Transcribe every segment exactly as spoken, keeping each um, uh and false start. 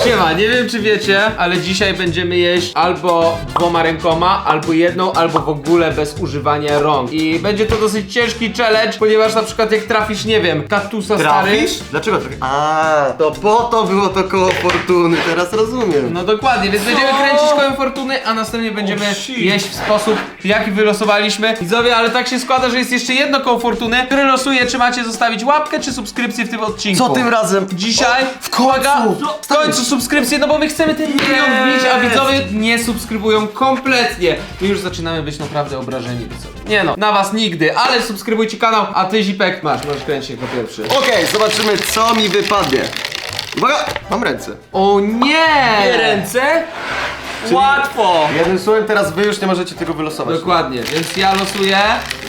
Siema, nie wiem czy wiecie, ale dzisiaj będziemy jeść albo dwoma rękoma, albo jedną, albo w ogóle bez używania rąk. I będzie to dosyć ciężki challenge, ponieważ na przykład jak trafisz, nie wiem, kaktusa stary. Trafisz? Dlaczego trafisz? A, to po to było to koło fortuny, teraz rozumiem. No dokładnie, więc będziemy kręcić kołem fortuny, a następnie będziemy jeść w sposób, jaki wylosowaliśmy. Widzowie, ale tak się składa, że jest jeszcze jedno koło fortuny, które losuje, czy macie zostawić łapkę, czy subskrypcję w tym odcinku. Co tym razem? Dzisiaj w końcu, w końcu subskrypcję, no bo my chcemy ten milion wbić, a widzowie nie subskrybują kompletnie. My już zaczynamy być naprawdę obrażeni, widzowie. Nie no, na was nigdy, ale subskrybujcie kanał, a ty Zipek masz, możesz kręcić jako pierwszy. Okej, zobaczymy co mi wypadnie. Uwaga, mam ręce. O nie! Dwie ręce? Łatwo! Jednym słowem, teraz wy już nie możecie tego wylosować. Dokładnie, więc ja losuję.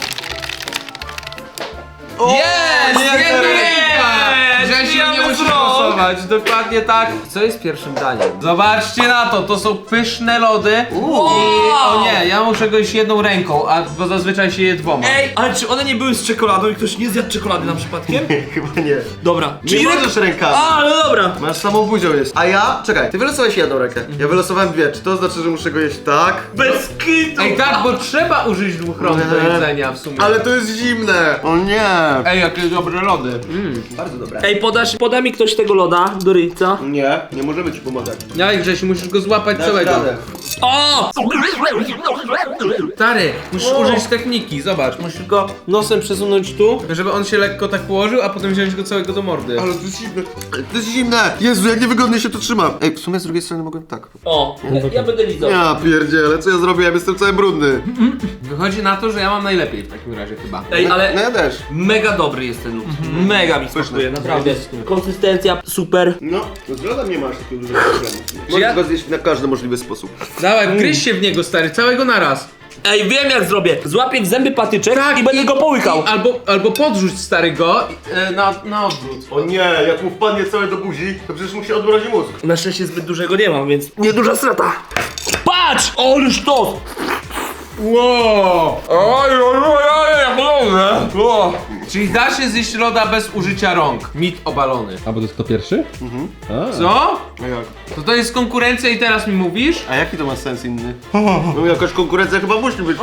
O, Jest! jedna Jedna ręka! ręka! Jest! Grzesiu, nie Jest! musisz losować, dokładnie tak. Co jest pierwszym daniem? Zobaczcie na to, to są pyszne lody. Uuu. I o nie, ja muszę go jeść jedną ręką, a bo zazwyczaj się je dwoma. Ej, ale czy one nie były z czekoladą i ktoś nie zjadł czekolady nam przypadkiem? Chyba nie. Dobra. Nie możesz rękami. A, no dobra. Masz samą buzią jeść. A ja, czekaj, ty wylosowałeś jedną rękę. Ja wylosowałem dwie. Czy to znaczy, że muszę go jeść tak? Bez kitu. Ej tak, bo trzeba użyć dwóch rąk do Nie. jedzenia w sumie. Ale to jest zimne. O nie. Ej, jakie dobre lody. Mm. Bardzo dobre. Ej, podasz, poda mi ktoś tego loda do ryjca. Nie, nie możemy ci pomagać. Ej Grzesiu, musisz go złapać Dasz całego. radę. O! Stary, musisz użyć techniki, zobacz. Musisz go nosem przesunąć tu, żeby on się lekko tak położył, a potem wziąć go całego do mordy. Ale to jest zimne. Ale to jest zimne. Jezu, jak niewygodnie się to trzyma. Ej, w sumie z drugiej strony mogłem tak. O, ja będę lizał. Ja pierdzielę, co ja zrobiłem? Jestem cały brudny. Wychodzi na to, że ja mam najlepiej w takim razie chyba. Ej, No ale ja też. mega dobry jest ten lód. Mega mi smakuje, naprawdę. Konsystencja super. No, to z lodem nie masz takiego dużego problemu. Możesz ja- go zjeść na każdy możliwy sposób. Dawaj, gryź się w niego stary, całego naraz. Ej, wiem jak zrobię. Złapię w zęby patyczek i będę go połykał. I, albo, albo podrzuć stary go e, na, na odwrót. O nie, jak mu wpadnie całe do buzi, to przecież mu się odmrozi mózg. Na szczęście zbyt dużego nie mam, więc nieduża strata. Patrz! O, sztos! Wow! Oj, oj, oj, oj, jak dobre! Czyli da się zjeść loda bez użycia rąk. Mit obalony. A bo to jest kto pierwszy? Co? A jak? To to jest konkurencja i teraz mi mówisz? A jaki to ma sens inny? No jakaś konkurencja chyba musi być.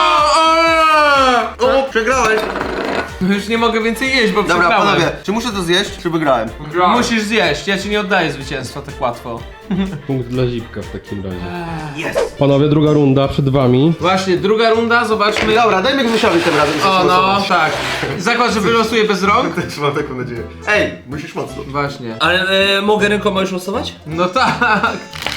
O, przegrałeś. No już nie mogę więcej jeść, bo Dobra, przegrałem. panowie, czy muszę to zjeść, czy wygrałem? Musisz zjeść, ja ci nie oddaję zwycięstwa tak łatwo. Punkt dla Zipka w takim razie. Jest. Panowie, druga runda przed wami. Właśnie, druga runda, zobaczmy. Dobra, dajmy Grzesiowi tym razem. O no, zastosować. tak. Zakład, że wylosuję bez rąk? Też mam taką nadzieję. Ej, musisz mocno. Właśnie. Ale e, mogę rękoma już losować? No tak.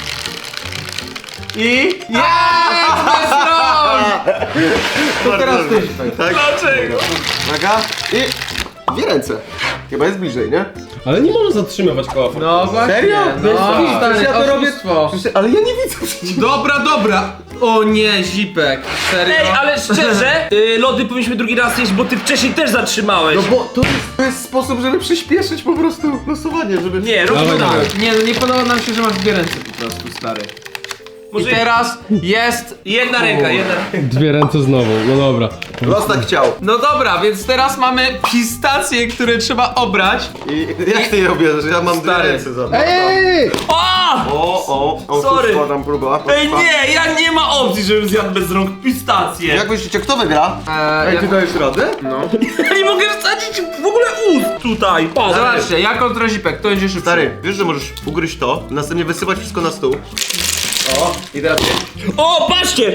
I... Jest! Bez rąk! To teraz ty. Tak? Dlaczego? Uwaga. I dwie ręce. Chyba jest bliżej, nie? Ale nie można zatrzymywać koła fortuny. No właśnie. Serio? No, Bez kitu. stary, Ja to robię- oszustwo. Ale ja nie widzę przecież. Dobra, dobra. O nie, Zipek. Serio? Ej, ale szczerze, y, lody powinniśmy drugi raz jeść, bo ty wcześniej też zatrzymałeś. No bo to jest, to jest sposób, żeby przyspieszyć po prostu losowanie, żeby... Nie, rób Dawaj, to dawaj. Nie, no nie podoba nam się, że masz dwie ręce po prostu, stary. I Może teraz jest... jedna ręka, jedna ręka. Dwie ręce znowu, no dobra. Los tak chciał. No dobra, więc teraz mamy pistacje, które trzeba obrać. I jak ty je obierzesz? Ja mam dwie Stary. ręce za to. Ej! O! O, o, o, Sorry. tu składam próba. Ej, nie, ja nie ma opcji, żebym zjadł bez rąk pistację. Jak myślicie, kto wygra? Eee, Ej, ja... ty dajesz radę? No. Ja nie mogę wsadzić w ogóle ust tutaj. Patrz. Zobaczcie, ja kontra Zipek, to będzie szybszy. Stary, wiesz, że możesz ugryźć to, następnie wysypać wszystko na stół. O, i teraz O, patrzcie!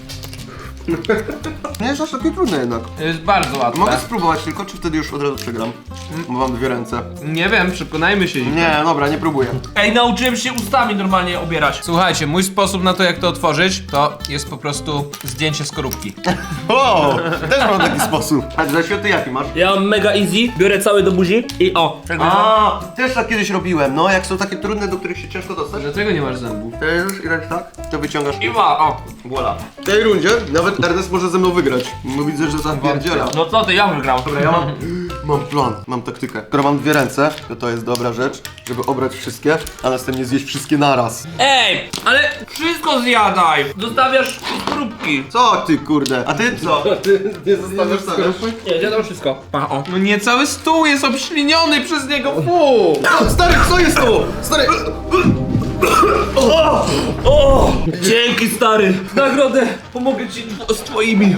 nie jest aż takie trudne jednak. To jest bardzo łatwe. Mogę spróbować tylko, czy wtedy już od razu przegram? Bo mam dwie ręce. Nie wiem, przekonajmy się. Zipek. Nie, dobra, nie próbuję. Ej, nauczyłem się ustami normalnie obierać. Słuchajcie, mój sposób na to, jak to otworzyć, to jest po prostu zdjęcie skorupki. O, też mam taki sposób. A Grzesiu, ty jaki masz? Ja mam mega easy, biorę cały do buzi i o. A, też tak kiedyś robiłem, no, jak są takie trudne, do których się ciężko dostać. Dlaczego nie masz zębów? To już i tak, tak, to wyciągasz. I ma, o. Voila. W tej rundzie nawet Ernest może ze mną wygrać. No widzę, że zapierdziela. No co ty, ja wygrał. Dobra, ja mam Mam plan, mam taktykę. Skoro mam dwie ręce, to to jest dobra rzecz, żeby obrać wszystkie, a następnie zjeść wszystkie naraz. Ej, ale wszystko zjadaj! Zostawiasz skorupki. Co ty, kurde? A ty co? Ty nie zostawiasz skorupy? Nie, zjadam wszystko. Pa, o. No nie, cały stół jest obśliniony przez niego, fu! O, stary, co jest to? Stary! O! O! Dzięki, stary! Nagrodę pomogę ci z twoimi.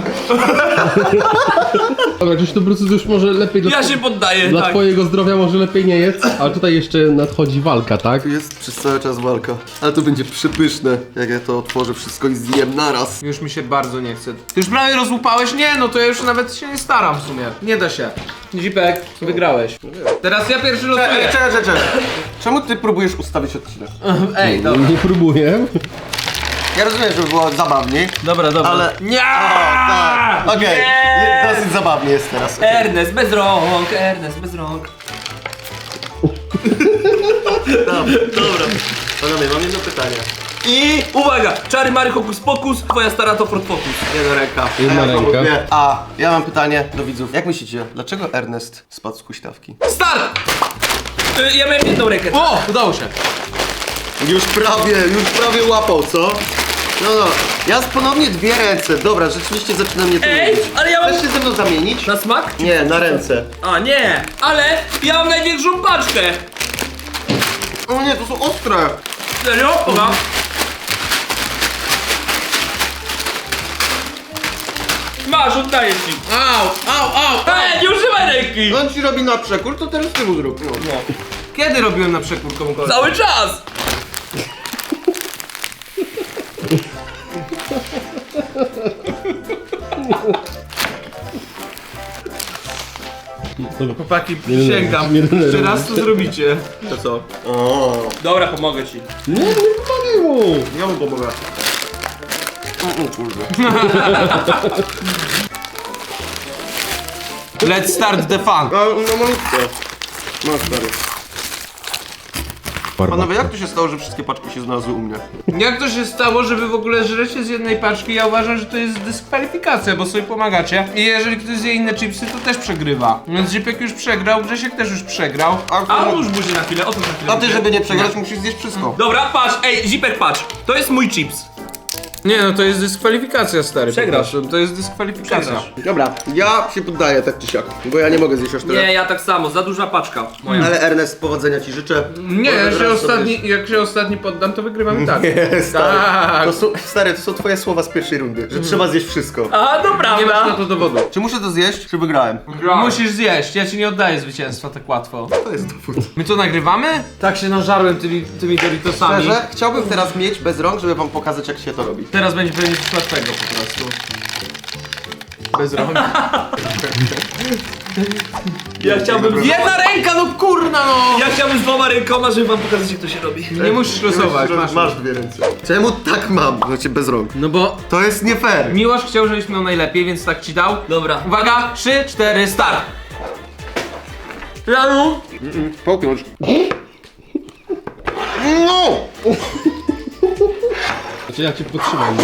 Dobra, Grzesiu, to po prostu już może lepiej dla, Ja się poddaję, dla tak. twojego zdrowia może lepiej nie jedz, ale tutaj jeszcze nadchodzi walka, tak? Tu jest przez cały czas walka. Ale to będzie przepyszne, jak ja to otworzę wszystko i zjem naraz. Już mi się bardzo nie chce. Ty już prawie rozłupałeś? Nie, no to ja już nawet się nie staram w sumie. Nie da się. Zipek, wygrałeś. Teraz ja pierwszy Czekaj, losuję. czekaj, czekaj, czekaj. Czemu ty próbujesz ustawić odcinek? Ej, dobra. Nie próbuję. Ja rozumiem, żeby było zabawniej, Dobra, dobra. ale... Nie! O, tak. Okej, Nie! dosyć zabawnie jest teraz. Ernest bez rąk, Ernest bez rąk. Dobra, dobra. Panowie, mam jedno pytanie. I uwaga! Czary Mary Hokus Pokus, twoja stara to Ford Focus. Jedna ręka. Jedna A ja ręka. próbuję. A, ja mam pytanie do widzów. Jak myślicie, dlaczego Ernest spadł z huśtawki? Start! Y, ja miałem jedną rękę. O, udało się. Już prawie, już prawie łapał, co? No no, ja ponownie dwie ręce. Dobra, rzeczywiście zaczyna mnie to Ej, nudzić. ale ja mam... Chcesz się ze mną zamienić? Na smak? Nie, na ręce. A nie, ale ja mam największą paczkę. O nie, to są ostre. Serio? Oga. Masz, oddaję ci. Au, au, au. Ej, nie używaj ręki! On ci robi na przekór, to teraz ty mu zrób. No. Kiedy robiłem na przekór komukolwiek? Cały czas! Chłopaki, Nie, nie, przysięgam. nie denerwuj Jeszcze raz to zrobicie. To co? O, Dobra, pomogę ci. Nie, nie pomagaj mu! ja mu pomogę. O, o kurde. Let's start the fun. No, no malutko. No stary. Panowie, jak to się stało, że wszystkie paczki się znalazły u mnie? Jak to się stało, że wy w ogóle żrecie z jednej paczki? Ja uważam, że to jest dyskwalifikacja, bo sobie pomagacie. I jeżeli ktoś zje inne chipsy, to też przegrywa. Więc Zipek już przegrał, Grzesiek też już przegrał. A odłóż buzi na chwilę, otóż na chwilę. A ty, żeby nie przegrać, musisz zjeść wszystko. Dobra, patrz, ej, Zipek, patrz. To jest mój chips. Nie no, to jest dyskwalifikacja, stary. Przegrasz. po prostu. To jest dyskwalifikacja. Przegrasz. Dobra, ja się poddaję tak czy siak, bo ja nie mogę zjeść aż tyle. Nie, ja tak samo, za duża paczka moja. Ale Ernest, powodzenia ci życzę. Nie, jak się, Teraz ostatni, jak się ostatni poddam, to wygrywamy tak. sobie- Stary, Tak. to są, stary, to są twoje słowa z pierwszej rundy, że trzeba zjeść wszystko. A, to Nie masz na prawda. to dowodu. Czy muszę to zjeść, czy wygrałem? Musisz zjeść, ja ci nie oddaję zwycięstwa tak łatwo. To jest dowód. My to nagrywamy? Tak się nażarłem tymi, tymi Doritosami. Szczerze, chciałbym teraz mieć bez rąk, żeby wam pokazać, jak się to robi. Teraz będzie pewnie coś łatwego po prostu. Bez rąk. Ja chciałbym... Jedna ręka, no kurna no! Ja chciałbym z dwoma rękoma, żeby wam pokazać, jak to się robi. Nie musisz losować, masz. masz dwie ręce. Czemu tak mam? Znaczy bez rąk. No bo To jest nie fair. Miłosz chciał, żebyś miał najlepiej, więc tak ci dał. Dobra. Uwaga, trzy, cztery, start! Janu? Połknąć. No! Znaczy ja cię podtrzymam.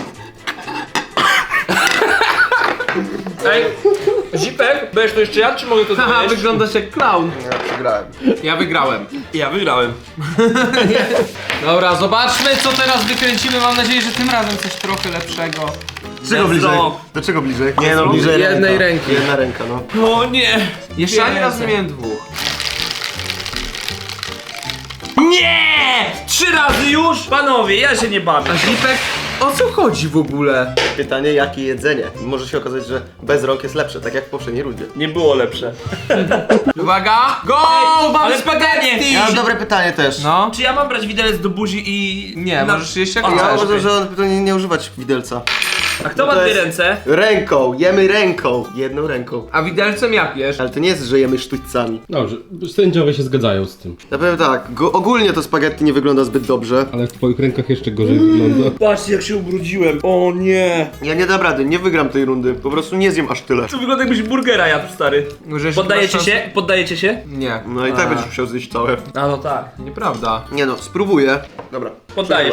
Ej, Zipek, będziesz to jeszcze ja, czy mogę to Haha, zjeść? wyglądasz jak clown. Ja przegrałem. Ja wygrałem. Ja wygrałem. Dobra, zobaczmy co teraz wykręcimy. Mam nadzieję, że tym razem coś trochę lepszego. Czego Bez bliżej? rąk. Do czego bliżej? Nie no, bliżej Jednej ręka. ręki. Jedna ręka, no. O nie! Jeszcze ani Dwie raz nie ręce. miałem dwóch. Nie! Trzy razy już? Panowie, ja się nie bawię. A Zipek, o co chodzi w ogóle? Pytanie, jakie jedzenie? Może się okazać, że bez rąk jest lepsze, tak jak w poprzedniej rundzie. Nie było lepsze. Uwaga, go! Mamy ale spaghetti! pytanie. Ja mam dobre pytanie też. No. Czy ja mam brać widelec do buzi i... Nie, na- możesz jeść jak A, Ja chcesz. uważam, że on powinien nie używać widelca. A kto ma To dwie jest- ręce? Ręką, jemy ręką. Jedną ręką. A widelcem jak jesz? Ale to nie jest, że jemy sztućcami. Dobrze, sędziowie się zgadzają z tym. Ja powiem tak, go, ogólnie to spaghetti nie wygląda zbyt dobrze. Ale w twoich rękach jeszcze gorzej wygląda. Patrzcie, jak się ubrudziłem. O nie! Ja nie dam rady, nie wygram tej rundy. Po prostu nie zjem aż tyle. To wygląda jakbyś burgera jadł, stary. Że Poddajecie masz się? Poddajecie się? Nie. No i tak A, będziesz musiał zjeść całe. A no tak. Nieprawda. Nie no, spróbuję. Dobra. Poddajesz Przegrałem. się.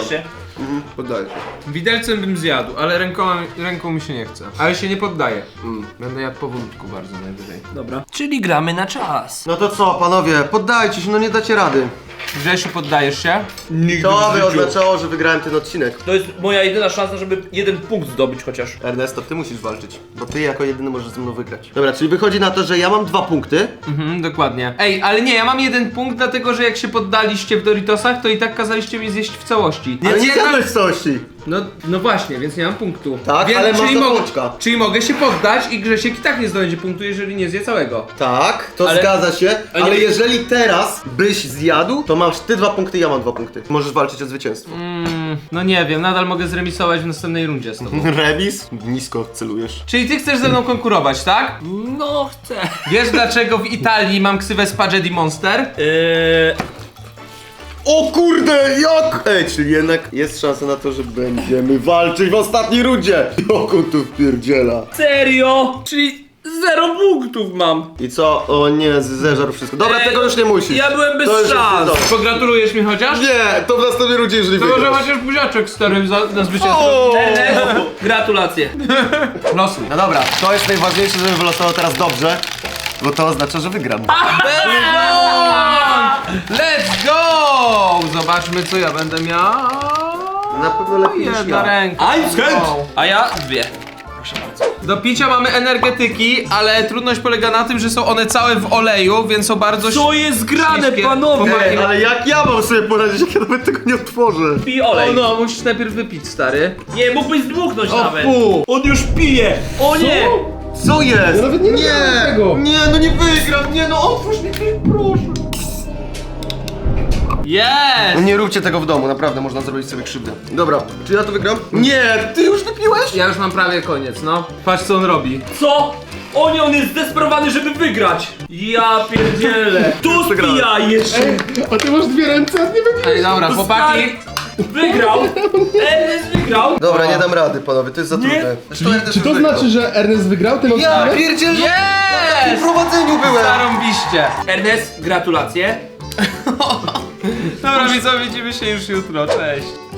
Mhm, poddaję się. Widelcem bym zjadł, ale ręką, ręką mi się nie chce. Ale się nie poddaję. Mm. Będę jadł powolutku bardzo najwyżej. Dobra. Czyli gramy na czas. No to co, panowie, poddajcie się, no nie dacie rady. Grzesiu, poddajesz się? Nigdy To by oznaczało, że wygrałem ten odcinek. To jest moja jedyna szansa, żeby jeden punkt zdobyć chociaż. Ernesto, ty musisz walczyć, bo ty jako jedyny możesz ze mną wygrać. Dobra, czyli wychodzi na to, że ja mam dwa punkty. Mhm, dokładnie. Ej, ale nie, ja mam jeden punkt, dlatego że jak się poddaliście w Doritosach, to i tak kazaliście mi zjeść w całości. Ale Więc nie jednak- zjadłeś w całości. No, no właśnie, więc nie mam punktu. Tak, więc, ale masz czyli, do mogę, pączka. czyli mogę się poddać i Grzesiek i tak nie zdobędzie punktu, jeżeli nie zje całego. Tak, to Ale- zgadza się, ale ale nie- jeżeli teraz byś zjadł, to masz ty dwa punkty, ja mam dwa punkty. Możesz walczyć o zwycięstwo. Mm, no nie wiem, nadal mogę zremisować w następnej rundzie z tobą. Remis? Nisko celujesz. Czyli ty chcesz ze mną konkurować, tak? No chcę. Wiesz dlaczego w Italii mam ksywę Spaghetti Monster? Eee, O kurde, jak? Ej, czyli jednak jest szansa na to, że będziemy walczyć w ostatniej rundzie. Joku tu wpierdziela. serio? Czyli zero punktów mam. I co? O nie, z- zeżarł wszystko. Dobra, Ej, tego już nie musisz. ja byłem bez To już jest szans. dobrze. Pogratulujesz mi chociaż? Nie, to w następnej rundzie, jeżeli To może wygrasz. chociaż buziaczek stary za, na zwycięstwo. O! Ernest, gratulacje. Losuj. No dobra, to jest najważniejsze, żebym wylosował teraz dobrze, bo to oznacza, że wygram. Let's go! Zobaczmy co ja będę miał. Na pewno lepiej niż Jedna ja. ręka. I'm scared. Wow. A ja dwie. Proszę bardzo. Do picia mamy energetyki, ale trudność polega na tym, że są one całe w oleju, więc są bardzo Co jest grane, śliskie. panowie? Ej, ale jak ja mam sobie poradzić, jak ja nawet tego nie otworzę? Pij O olej. no, musisz najpierw wypić, stary. Nie, mógłbyś zdmuchnąć O nawet. fu. On już pije. O nie. Co jest? Ja nawet nie wygrałem tego. Nie, no nie wygram, nie no otwórz mi proszę. Jest! Nie róbcie tego w domu, naprawdę można zrobić sobie krzywdę. Dobra, czy ja to wygram? Nie, ty już wypiłeś? Ja już mam prawie koniec, no. Patrz co on robi. Co? O nie, on jest zdesperowany, żeby wygrać. Ja pierdzielę. Tu Przegrałem. spija jeszcze. A ty masz dwie ręce, a nie wygrałeś. Ej, dobra, chłopaki. Wygrał. Ernest wygrał. Dobra, nie dam rady, panowie, to jest za Nie. trudne. Zresztą ja też Czy to już wygrał. znaczy, że Ernest wygrał ten Ja odcinek? pierdzielę! W Jest! prowadzeniu byłem! Zarąbiście. Ernest, gratulacje. Dobra, widzowie, widzimy się już jutro, cześć.